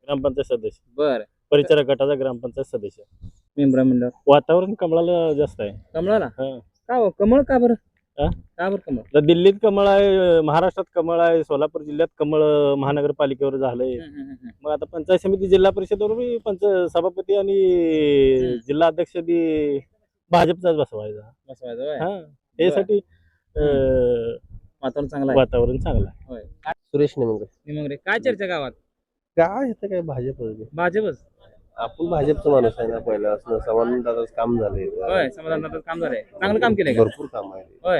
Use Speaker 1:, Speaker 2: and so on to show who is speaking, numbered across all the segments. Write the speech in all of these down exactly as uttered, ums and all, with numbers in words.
Speaker 1: ग्रामपंचायत सदस्य,
Speaker 2: बर
Speaker 1: परिचारक गटाचा ग्रामपंचायत सदस्य.
Speaker 2: मेंबर मंडळ
Speaker 1: वातावरण कमळाला जास्त आहे.
Speaker 2: कमळाला
Speaker 1: हा.
Speaker 2: का हो कमळ का बरं
Speaker 1: हा?
Speaker 2: का बरं कमळ
Speaker 1: तर दिल्लीत कमळ आहे, महाराष्ट्रात कमळ आहे, सोलापूर जिल्ह्यात कमळ महानगरपालिकेवर झालंय.
Speaker 2: हम्म, हम्म, हम्म.
Speaker 1: मग आता पंचायत समिती जिल्हा परिषदेवर बी पंच सभापती आणि
Speaker 2: हम्म.
Speaker 1: जिल्हा अध्यक्ष बी भाजपचाच बसवायचा.
Speaker 2: बसवायचं होय.
Speaker 1: हा यासाठी अं,
Speaker 2: वातावरण चांगलं आहे
Speaker 1: वातावरण चांगलं आहे.
Speaker 2: होय काय
Speaker 3: सुरेश नेमके
Speaker 2: निमंगरे काय चर्चा गावात
Speaker 3: काय इथं काय भाजप
Speaker 2: भाजपच
Speaker 3: आपण भाजपचा माणूस आहे ना पहिल्यापासून समान दादाच काम झालंय
Speaker 2: होय समाधानाचं काम झालंय चांगलं काम केलंय का
Speaker 3: भरपूर काम आहे
Speaker 2: होय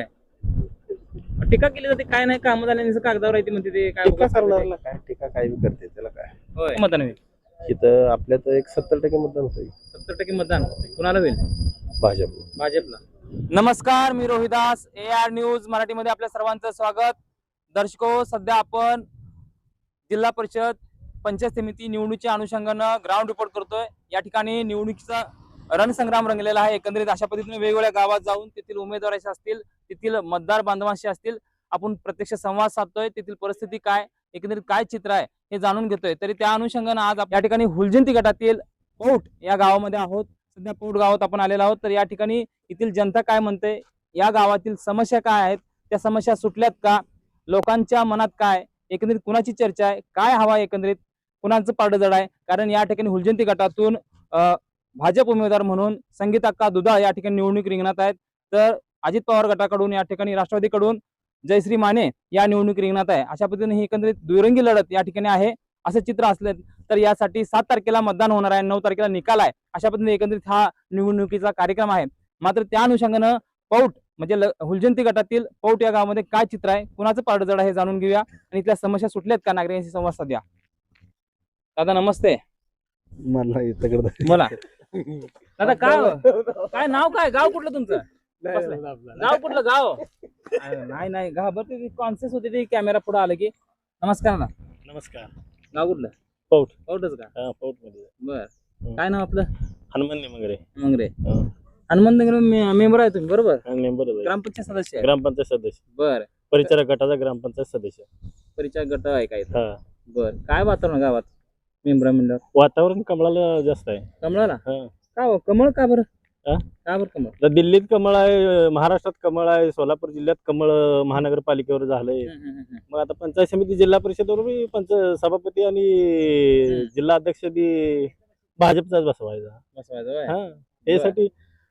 Speaker 2: टीका केली जाते काय नाही काम झाले कागदावर येते म्हणते ते काय
Speaker 3: टीका
Speaker 2: उगाच करते ते.
Speaker 3: करणाऱ्याला काय टीका काय बी करते त्याला काय
Speaker 2: होय मतदान होईल
Speaker 3: इथं आपल्यात एक सत्तर टक्के मतदान होतं
Speaker 2: सत्तर टक्के मतदान कुणाला होईल
Speaker 3: भाजप
Speaker 2: भाजपला. नमस्कार, मी रोहिदास, ए आर न्यूज मराठीमध्ये आपल्या सर्वांचं स्वागत. दर्शको, सध्या आपण जिल्हा परिषद पंचायत समिती निवडणुकीच्या अनुषंगानं ग्राउंड रिपोर्ट करतोय. या ठिकाणी निवडणुकीचा रणसंग्राम रंगलेला आहे. एकंदरीत अशा पद्धतीने वेगवेगळ्या गावात जाऊन तेथील उमेदवारांशी असतील, तेथील मतदार बांधवांशी असतील, आपण प्रत्यक्ष संवाद साधतोय. तेथील परिस्थिती काय, एकंदरीत काय चित्र आहे हे जाणून घेतोय. तरी त्या अनुषंगानं आज या ठिकाणी हुलजंती गटातील पौठ या गावामध्ये आहोत. सध्या पौठ गावात आपण आलेलो आहोत. तर या ठिकाणी येथील जनता काय म्हणते, या गावातील समस्या काय आहेत, त्या समस्या सुटल्यात का, लोकांच्या मनात काय, एकंदरीत कुणाची चर्चा आहे, काय हवा, एकंदरीत कुणाचं पारडं जड आहे. कारण या ठिकाणी हुलजंती गटातून भाजप उमेदवार म्हणून संगीता दुधाळ या ठिकाणी निवडणूक रिंगणात आहेत. तर अजित पवार गटाकडून या ठिकाणी राष्ट्रवादीकडून जयश्री माने या निवडणूक रिंगणात आहे. अशा पद्धतीने ही एकंदरीत दुरंगी लढत या ठिकाणी आहे असं चित्र असलं. तर यासाठी सात तारखेला मतदान होणार आहे, नऊ तारखेला निकाल आहे. अशा पद्धतीने एकंदरीत हा निवडणुकीचा कार्यक्रम आहे. मात्र त्या अनुषंगानं पौठ म्हणजे हुलजंती गटातील पौठ या गावामध्ये काय चित्र आहे, कुणाचं पारडं जड आहे हे जाणून घेऊया आणि इथल्या समस्या सुटल्यात का नागरिकांशी संवाद साधूया. दादा नमस्ते.
Speaker 3: मला इथं
Speaker 2: बोला दादा. काय काय नाव काय, गाव कुठलं तुमचं, गाव कुठलं गाव? नाही नाही गाव बरं कॉन्शियस होते ते कॅमेरा पुढे आलं की. नमस्कार ना.
Speaker 1: नमस्कार.
Speaker 2: गाव कुठलं?
Speaker 1: पौठ.
Speaker 2: पौठच का?
Speaker 1: हा, पौठ मध्ये
Speaker 2: बर. काय नाव आपलं?
Speaker 1: हनुमान निमंगरे.
Speaker 2: मंगरे. हनुमान नगर मेंबर आहे तुम्ही बरोबर?
Speaker 1: मेंबर
Speaker 2: ग्रामपंचायत सदस्य आहे.
Speaker 1: ग्रामपंचायत सदस्य,
Speaker 2: बर.
Speaker 1: परिचारक गटाचा ग्रामपंचायत सदस्य.
Speaker 2: परिचय गट आहे काय?
Speaker 1: हा.
Speaker 2: बर. काय वातावरण गावात मेंबर मंडळ?
Speaker 1: वातावरण कमळाला जास्त आहे.
Speaker 2: कमळाला
Speaker 1: हा.
Speaker 2: का हो कमळ का बरं
Speaker 1: हा?
Speaker 2: का बरं कमळ?
Speaker 1: तर दिल्लीत कमळ आहे, महाराष्ट्रात कमळ आहे, सोलापूर जिल्ह्यात कमळ महानगरपालिकेवर झालंय.
Speaker 2: हम्म, हम्म, हम्म.
Speaker 1: मग आता पंचायत समिती जिल्हा परिषदेवर बी पंच सभापती आणि
Speaker 2: हम्म.
Speaker 1: जिल्हा अध्यक्ष बी भाजपचाच बसवायचा.
Speaker 2: बसवायचं होय.
Speaker 1: हा यासाठी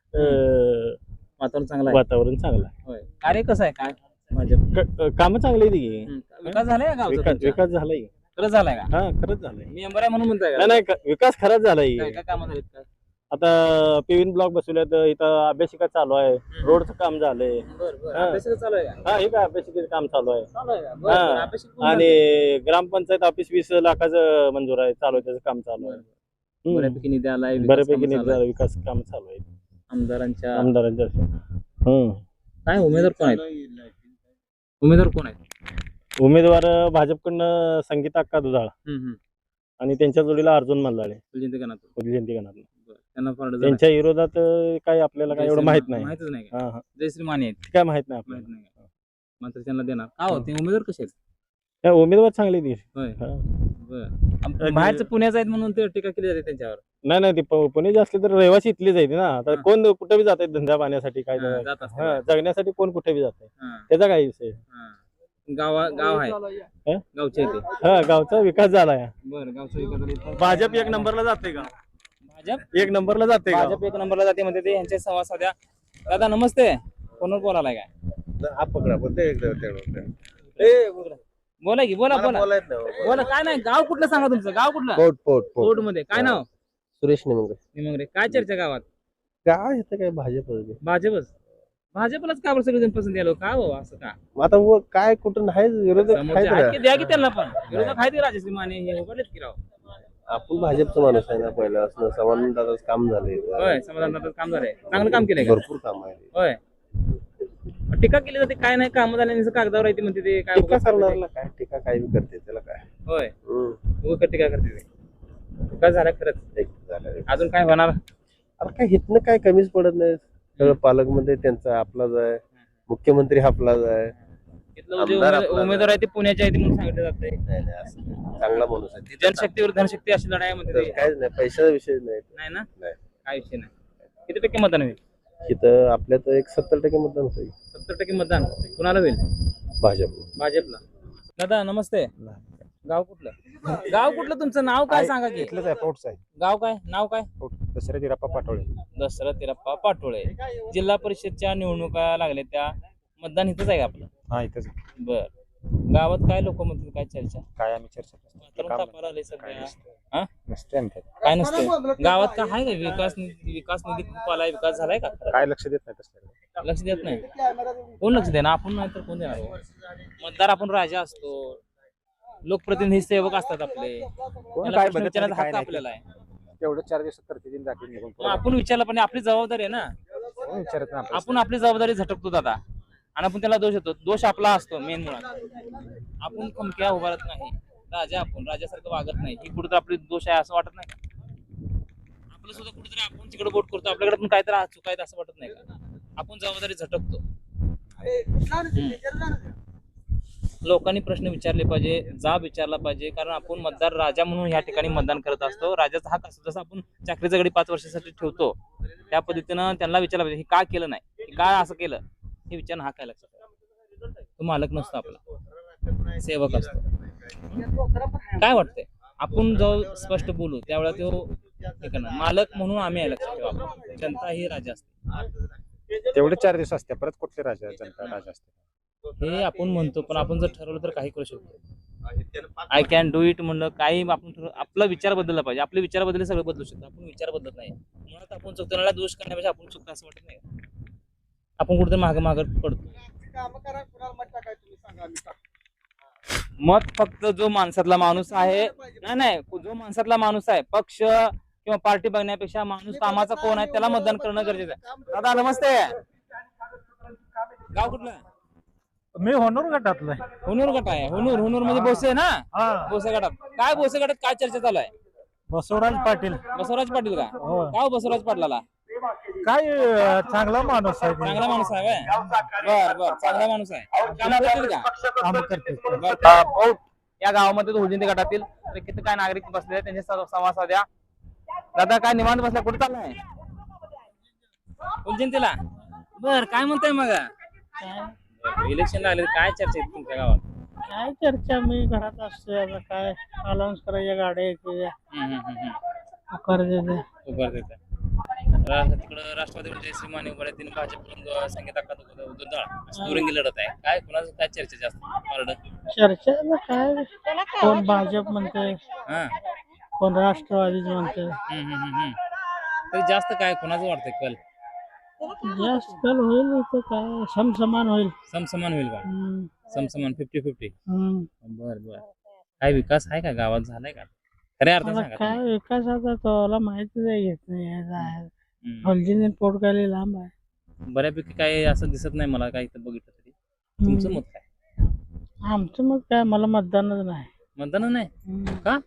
Speaker 1: अं,
Speaker 2: वातावरण चांगलं आहे.
Speaker 1: वातावरण चांगलं आहे.
Speaker 2: होय. कार्य कसं आहे काय भाजप?
Speaker 1: काम चांगली आहे ती.
Speaker 2: हम्म. विकास झालाय का गावचा
Speaker 1: विकास
Speaker 2: तुमच्या?
Speaker 1: विकास झालाय.
Speaker 2: खरंच झालाय का?
Speaker 1: हा खरंच झालंय.
Speaker 2: मेंबर आहे म्हणून म्हणताय का?
Speaker 1: नाही नाही क- विकास खरंच झालाय.
Speaker 2: काय काय कामं झालीत का?
Speaker 1: आता पेविन ब्लॉक बसवल्यात, इथं अभ्यासिका चालू आहे, रोडचं काम झालंय.
Speaker 2: बरं बरं.
Speaker 1: हा.
Speaker 2: अभ्यासिका चालू आहे का?
Speaker 1: हा हे काय अभ्यासिकेचं काम चालू आहे.
Speaker 2: चालू आहे का? बरं,
Speaker 1: हा.
Speaker 2: बरं. अभ्यासिका पूर्ण
Speaker 1: आणि
Speaker 2: झाली.
Speaker 1: ग्रामपंचायत ऑफिस वीस लाखाचं मंजूर आहे, चालू आहे, त्याचं काम चालू आहे. हम्म.
Speaker 2: बऱ्यापैकी निधी आलाय, विकास
Speaker 1: बऱ्यापैकी
Speaker 2: कामं
Speaker 1: निधी
Speaker 2: चालू आहे.
Speaker 1: झाला, विकास काम चालू आहे
Speaker 2: आमदारांच्या
Speaker 1: आमदारांच्या. हम्म.
Speaker 2: काय उमेदवार कोण आहेत? उमेदवार कोण आहेत?
Speaker 1: उमेदवार भाजपकडनं संगीता अक्का दुधाळ
Speaker 2: हम्म, हम्म.
Speaker 1: आणि त्यांच्या जोडीला अर्जुन मल्लाळे
Speaker 2: फुलजयंती गणातून.
Speaker 1: जयंती गणात.
Speaker 2: बरं. त्यांना फारडं झालं.
Speaker 1: त्यांच्या विरोधात अं, काही आपल्याला काय एवढं माहित नाही.
Speaker 2: माहितच नाही का?
Speaker 1: हा हा
Speaker 2: जयश्री माने आहेत.
Speaker 1: काय माहित नाही
Speaker 2: माहित
Speaker 1: आपल्याला.
Speaker 2: नाही का? मात्र त्यांना देणार का हो? ते उमेदवार कसे आहेत?
Speaker 1: त्या उमेदवार चांगले ती.
Speaker 2: होय.
Speaker 1: हा.
Speaker 2: बरं. बाहेरचं पुण्याचं आहेत म्हणून ते टीका केली जाते त्यांच्यावर.
Speaker 1: नाही नाही ते प- पुणे जे असले तर रहिवासी इथले जायचे ना. तर
Speaker 2: हा.
Speaker 1: कोण कुठे बी जात धंदा पाण्यासाठी काय
Speaker 2: हा, जात असते.
Speaker 1: हा, जगण्यासाठी कोण कुठे बी जात
Speaker 2: हा,
Speaker 1: त्याचा काय विषय.
Speaker 2: हा. गावा गाव आहे
Speaker 1: हा?
Speaker 2: गावचे इथे.
Speaker 1: हा गावचा विकास झालाय.
Speaker 2: बरं. गावचा विकास झाला इथं.
Speaker 1: भाजप एक नंबरला जाते का?
Speaker 2: भाजप
Speaker 1: एक नंबरला जाते का?
Speaker 2: भाजप एक नंबरला जाते म्हणते ते. यांचे संवाद साध्या. दादा नमस्ते. फोनवर बोलायला काय?
Speaker 3: आप पकडा पण ते एकदा
Speaker 2: बोला की बोला बोला बोला. काय नाही गाव कुठलं सांगा तुमचं, गाव कुठलं?
Speaker 3: पोट पोट
Speaker 2: कोर्ट मध्ये काय नाव?
Speaker 3: सुरेश नेमके
Speaker 2: निमंगरे. काय चर्चा गावात?
Speaker 3: काय इथं काय भाजप
Speaker 2: भाजपच. भाजपलाच का बरं सगळेजण पसंत यालो का हो असं का?
Speaker 3: आता व काय कुठं नाही विरोधक
Speaker 2: समोरचे आहेत की द्या की त्यांना पण. विरोधक आहेत की राजश्री माने हे उघडलेत की राव.
Speaker 3: आपण भाजपचा माणूस आहे ना पहिल्यापासून समान दादाच काम झालंय
Speaker 2: होय समाधानाचं काम झालंय, चांगलं काम केलंय का?
Speaker 3: भरपूर काम आहे
Speaker 2: होय. टीका केली जाते काय नाही काम झाले कागदावर येते म्हणते ते काय
Speaker 3: टीका
Speaker 2: उगाच करते ते.
Speaker 3: करणाऱ्याला काय टीका काय बी करते त्याला काय
Speaker 2: होय.
Speaker 3: हम्म.
Speaker 2: उगाच टीका करते ते. विकास झाला खरंच.
Speaker 3: एक झालं.
Speaker 2: अजून काय होणार?
Speaker 3: अरे काय हितनं काय कमीच पडत नाही. सगळं पालकमंत्री त्यांचा आपलाच आहे, मुख्यमंत्री आपलाच आहे,
Speaker 2: इथलं जे
Speaker 3: आमदार
Speaker 2: उमेद-
Speaker 3: आपला-
Speaker 2: उमेदवार आहे ते पुण्याचे आहे ते म्हणून सांगितलं जाते.
Speaker 3: नाही नाही असं नाही. चांगला माणूस आहे तिथं
Speaker 2: जनशक्ती विरुद्ध धनशक्ती अशी लढाई आहे
Speaker 3: तर
Speaker 2: मध्ये
Speaker 3: काहीच नाही, पैशाचा विषय नाही.
Speaker 2: नाही ना,
Speaker 3: नाही.
Speaker 2: काय विषय नाही. किती टक्के मतदान होईल?
Speaker 3: इथं आपल्या तर एक सत्तर टक्के मतदान होईल
Speaker 2: सत्तर टक्के मतदान कुणाला होईल?
Speaker 3: भाजप.
Speaker 2: भाजपला. दादा नमस्ते. गाव कुठलं? गाव कुठलं तुमचं नाव काय सांगा की?
Speaker 4: इथलंच आहे पोटच आहे
Speaker 2: गाव काय? नाव काय?
Speaker 4: पोट दसरा दिराप्पा पाटोळे.
Speaker 2: दशरथ तिरप्पा पाटोळे. जिल्हा परिषदच्या निवडणुका लागल्या त्या मतदान इथंच आहे का आपलं?
Speaker 4: हा इथंच
Speaker 2: बर. गावात काय लोक म्हणतील, काय चर्चा?
Speaker 4: काय आम्ही चर्चा करतो.
Speaker 2: वातावरण
Speaker 4: काम
Speaker 2: तापायला आलंय सध्या.
Speaker 4: नसतं.
Speaker 2: हा?
Speaker 4: नसते आमच्यात.
Speaker 2: काय नसते गावात काय आहे का विकास निधी? विकास निधी खूप आलाय, विकास झालाय का?
Speaker 4: काय लक्ष देत नाही तसलं.
Speaker 2: लक्ष देत नाही. कोण लक्ष देणार? आपण नाही तर कोण देणार? मतदार आपण राजा असतो, लोकप्रतिनिधी सेवक असतात आपले,
Speaker 4: कोण
Speaker 2: त्याला
Speaker 4: काय
Speaker 2: प्रश्न
Speaker 4: बघत
Speaker 2: विचारण्याचा
Speaker 4: नाही, काय
Speaker 2: हक्क
Speaker 4: नाही.
Speaker 2: आपल्याला आहे.
Speaker 4: तेवढं चार दिवसात करते दिन जातील निघून
Speaker 2: मग आपण विचारलं पण आपली जबाबदारी आहे ना.
Speaker 4: कोण विचारत नाही आपल्याला.
Speaker 2: आपण आपली जबाबदारी झटकतो दादा आणि आपण त्याला दोष येतो. दोष आपला असतो मेन मुळात. आपण खमक्या उभारत नाही, राजा आपण राजासारखं वागत नाही, ही कुठेतरी आपली दोष आहे असं वाटत नाही का? आपलं सुद्धा कुठेतरी आपण तिकडे बोट करतो, आपल्याकडे पण काहीतरी चुक आहे असं वाटत नाही का? आपण जबाबदारी झटकतो. हम्म. लोकांनी प्रश्न विचारले पाहिजे, जाब विचारला पाहिजे, कारण आपण मतदार राजा म्हणून या ठिकाणी मतदान करत असतो. राजाचा हक्क असतो. जसं आपण चाकरीचा गडी पाच वर्षासाठी ठेवतो त्या पद्धतीनं त्यांना विचारलं पाहिजे, हे का केलं नाही, हे काय असं केलं, हे विचारणं हा काय लक्षात ठेवा. तो मालक नसतो, आपला सेवक असतो. काय वाटतंय आपण जेव्हा स्पष्ट बोलू त्यावेळेला तो हे करणार. मालक म्हणून आम्ही आहे, लक्षात ठेवा. आपण. जनता ही राजा असते.
Speaker 4: तेवढे चार दिवस असते, परत कुठले राजा जनता राजा असते.
Speaker 2: हे आपण म्हणतो, पण आपण जर ठरवलं तर काही करू शकतो. आय कॅन डू इट म्हणलं काही आपण ठरव, आपला विचार बदलला पाहिजे. आपले विचार बदलले सगळं बदलू शकतो. आपण विचार बदलत नाही, मुळात आपण चुकताना दोष करण्यापेक्षा आपण चुकतो असं वाटत नाही. आपण कुठेतरी माग माग पडतो. मत फक्त जो माणसातला माणूस आहे, नाही नाही जो माणसातला माणूस आहे, पक्ष किंवा पार्टी बघण्यापेक्षा माणूस कामाचा कोण आहे त्याला मतदान करणं गरजेचं आहे. दादा नमस्ते. गाव कुठलं?
Speaker 5: मी होनूर गटातलं आहे.
Speaker 2: हुनूर गट आहे. हुनूर हुनूर मध्ये बोसे ना,
Speaker 5: हा,
Speaker 2: बोसे गटात काय, बोसे गटात काय चर्चा चालू आहे?
Speaker 5: बसवराज पाटील.
Speaker 2: बसवराज पाटील का?
Speaker 5: हो.
Speaker 2: का हो बसवराज पाटलाला?
Speaker 5: काय अं, चांगला माणूस आहे ते.
Speaker 2: चांगला माणूस आहे व्हय? बर बर चांगला माणूस आहे. काम करतील का?
Speaker 5: काम करते.
Speaker 2: बर. अ, बहुत या गावामध्ये तो हुजिंती गटातील तर किती काय नागरिक बसले आहेत, त्यांचे स- संवाद साध्या. दादा काय निवांत बसला, कुठे चाललाय? हुजिंतीला. बर काय म्हणताय मग? इलेक्शन लागले काय चर्चा आहे तुमच्या गावात?
Speaker 5: काय चर्चा, मी घरात असते. आता काय अलाउन्स करायच्या गाड्या येते,
Speaker 2: हम्म, हम्म, हम्म, हम्म.
Speaker 5: कर्जाचे.
Speaker 2: उभार देतात. रा- तिकडं राष्ट्रवादी जयश्री माने उभा आहे, तिने भाजप संगीत अक्का दुधाळ दुरंगी लढत आहे. काय कुणाचं काय चर्चा जास्त पारड?
Speaker 5: चर्चा काय, कोण भाजप म्हणते,
Speaker 2: हा.
Speaker 5: कोण राष्ट्रवादीच म्हणते.
Speaker 2: हम्म, हम्म, हम्म, हम्म. तरी जास्त काय कुणाचं वाटतंय कल?
Speaker 5: जास्त कल होईल इथं, काय समसमान होईल.
Speaker 2: समसमान होईल का?
Speaker 5: हम्म,
Speaker 2: समसमान फिफ्टी फिफ्टी.
Speaker 5: हम्म.
Speaker 2: बर बर. काय विकास आहे का गावात, झालाय का खऱ्या अर्थात
Speaker 5: आता
Speaker 2: सांगा
Speaker 5: काय
Speaker 2: तुम्ही.
Speaker 5: विकास, आता तोला माहितीच आहे, घेत नाही आहे.
Speaker 2: हम्म.
Speaker 5: हलजीने पोट काय लांब आहे.
Speaker 2: बऱ्यापैकी काय असं दिसत नाही मला, काय इथं बघितलं तरी. तुमचं मत काय?
Speaker 5: आमचं मग काय, मला मतदानच नाही.
Speaker 2: मतदान नाही
Speaker 5: हम्म.
Speaker 2: का?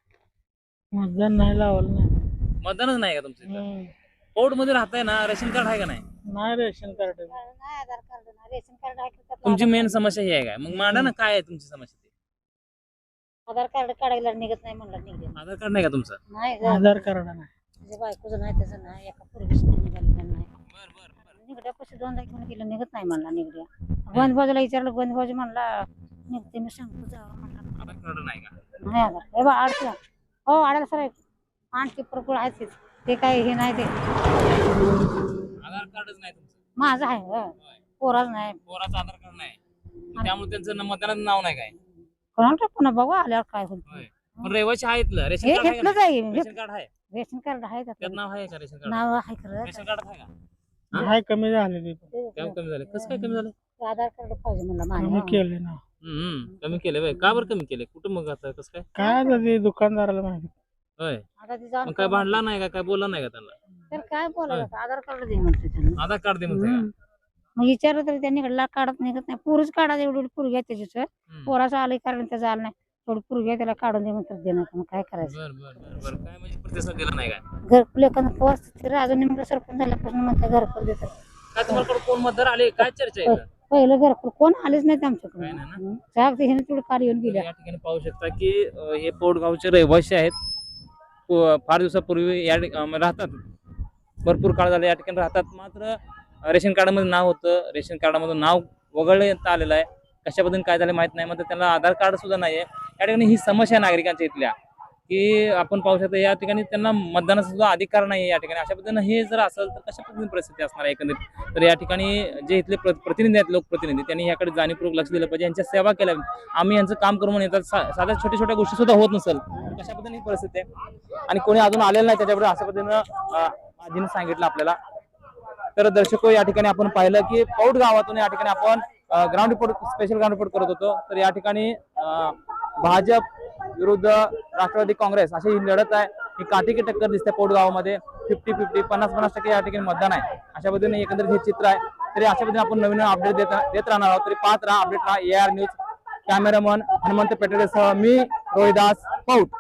Speaker 5: मतदान नाही लावलं नाही.
Speaker 2: मतदानच नाही का तुमचं इथं?
Speaker 5: हम्म.
Speaker 2: कोर्ट मध्ये राहताय ना, रेशन कार्ड आहे का नाही?
Speaker 5: नाही रेशन कार्ड.
Speaker 6: नाही आधार कार्ड नाही रेशन कार्ड आहे का?
Speaker 2: तुमची मेन समस्या ही आहे काय? मग मांडा ना, काय आहे तुमची समस्या ती?
Speaker 6: आधार कार्ड काढायला निघत नाही म्हणलं निघले
Speaker 2: आधार कार्ड नाही का तुमचं?
Speaker 6: नाही ग.
Speaker 5: आधार कार्ड नाही.
Speaker 6: तुझ्या बायकोचं नाही त्याचं नाही एका पूर्वीच निघालेलं नाही.
Speaker 2: बर बर बर.
Speaker 6: निघड्यापाशी दोनदा घेऊन गेलं निघत नाही म्हणला निघड्या. गोंदबाजूला विचारलं, गोंदबाजू म्हणला निघते, मी सांगतो जावं म्हणला.
Speaker 2: आधार कार्ड नाही का?
Speaker 6: नाही आधार हे बा अडचण हो आडायला सर आणखी प्रकुळ आहेत ते. ते काय हे नाही ते
Speaker 2: आधार कार्डच नाही तुमचं?
Speaker 6: माझं आहे हो. पोराच नाही.
Speaker 2: पोराचं आधार कार्ड नाही, मग त्यामुळे त्यांचं न- मतदानाचं नाव नाही काय?
Speaker 6: कोणाला पुन्हा बघू आल्यावर काय होईल.
Speaker 2: होय. पण रहिवासी आहे इथलं, रेशन
Speaker 6: हे
Speaker 2: कार्ड आहे का
Speaker 6: घेतलंच
Speaker 2: नाही?
Speaker 6: आहे.
Speaker 2: रेशन कार्ड आहे,
Speaker 6: रेशन कार्ड आहे
Speaker 2: त्यात
Speaker 6: त्याचं.
Speaker 2: नाव आहे का रेशन कार्ड?
Speaker 6: नाव आहे खरं.
Speaker 2: रेशन कार्ड आहे का?
Speaker 5: हाय कमी झालेली,
Speaker 2: काय कमी झालं? कसं काय कमी झालं?
Speaker 6: आधार कार्ड पाहिजे म्हणलं
Speaker 5: कमी
Speaker 6: माझ्या.
Speaker 5: केले ना.
Speaker 2: हम्म कमी केलं बाय. का बरं कमी केले? कुठं मग आता कसं काय?
Speaker 5: काय आता ते दुकानदाराला माहिती.
Speaker 2: होय.
Speaker 6: आता ती जाण
Speaker 2: मग काय भांडला नाही का? काय बोलला नाही का त्यांना?
Speaker 6: तर काय बोलायचं आधार कार्ड दे म्हणते त्यांना.
Speaker 2: आधार कार्ड दे म्हणते का?
Speaker 6: हम्म. मग विचारलं तरी त्यांनी कडला काढत निघत नाही. पुरुष काढा एवढी एवढी पुरगी आहे त्याची सर.
Speaker 2: हम्म.
Speaker 6: पोराचं आलंय कारण त्याचं आलं नाही. थोडी पुरगी आहे त्याला काढून दे म्हणतात देणार मग काय करायचं.
Speaker 2: बर बर बर बर. काय म्हणजे प्रतिसाद दिला नाही काय?
Speaker 6: घरकुल एखादं पोहोच अजून नेमकं सरपंच झाल्यापासून म्हणते घरकुल देतात.
Speaker 2: काय तुम्हाला कोण मतदार आले? काय चर्चा आहे इथं?
Speaker 6: पहिलं घरकुल कोण आलेच नाहीत आमच्याकडे
Speaker 2: काय नाही ना?
Speaker 6: साहेब हे तेवढं काल येऊन
Speaker 2: तर
Speaker 6: गेल्या
Speaker 2: या ठिकाणी पाहू शकता की अं, हे पोटगावचे रहिवासी आहेत. पो- फार दिवसापूर्वी या ठिक- अं, राहतात, भरपूर काळ झाला या ठिकाणी राहतात. मात्र अं, रेशन कार्डामध्ये नाव होतं, रेशन कार्डामधून नाव वगळण्यात आलेलं आहे. कशा पद्धतीने काय झालं माहित नाही. मात्र त्यांना आधार कार्ड सुद्धा नाहीये. या ठिकाणी ही समस्या आहे नागरिकांच्या इथल्या, की आपण पाहू शकता या ठिकाणी त्यांना मतदानाचा सुद्धा अधिकार नाही या ठिकाणी. अशा पद्धतीने हे जर असेल तर कशा पद्धतीने परिस्थिती असणार आहे एकंदरीत. तर या ठिकाणी जे इथले प्र- प्रतिनिधी आहेत, लोकप्रतिनिधी, त्यांनी याकडे जाणीवपूर्वक लक्ष दिलं पाहिजे, यांच्या सेवा केल्या. आम्ही यांचं काम करून येतात, सा- साध्या छोट्या छोट्या गोष्टी सुद्धा होत नसेल, कशा पद्धतीने ही परिस्थिती आहे आणि कोणी अजून आलेलं नाही त्याच्याबरोबर अशा पद्धतीनं अं, आजीने सांगितलं आपल्याला. तर दर्शको या ठिकाणी आपण पाहिलं की पौड गावातून या ठिकाणी आपण ground report special ground report करत होतो. तर या ठिकाणी अं, भाजप विरुद्ध राष्ट्रवादी काँग्रेस अशी ही लढत आहे. ही काटेकी टक्कर दिसते पौड गावामध्ये. फिफ्टी फिफ्टी पन्नास पन्नास टक्के या ठिकाणी मतदान आहे. अशा पद्धतीने एकंदरीत हे चित्र आहे. तरी अशा पद्धतीने आपण नवीन अपडेट देत देत राहणार आहोत. तरी पाहत राहा, अपडेट राहा A R news. Cameraman Hanumant पेटरेसह मी रोहिदास पौड.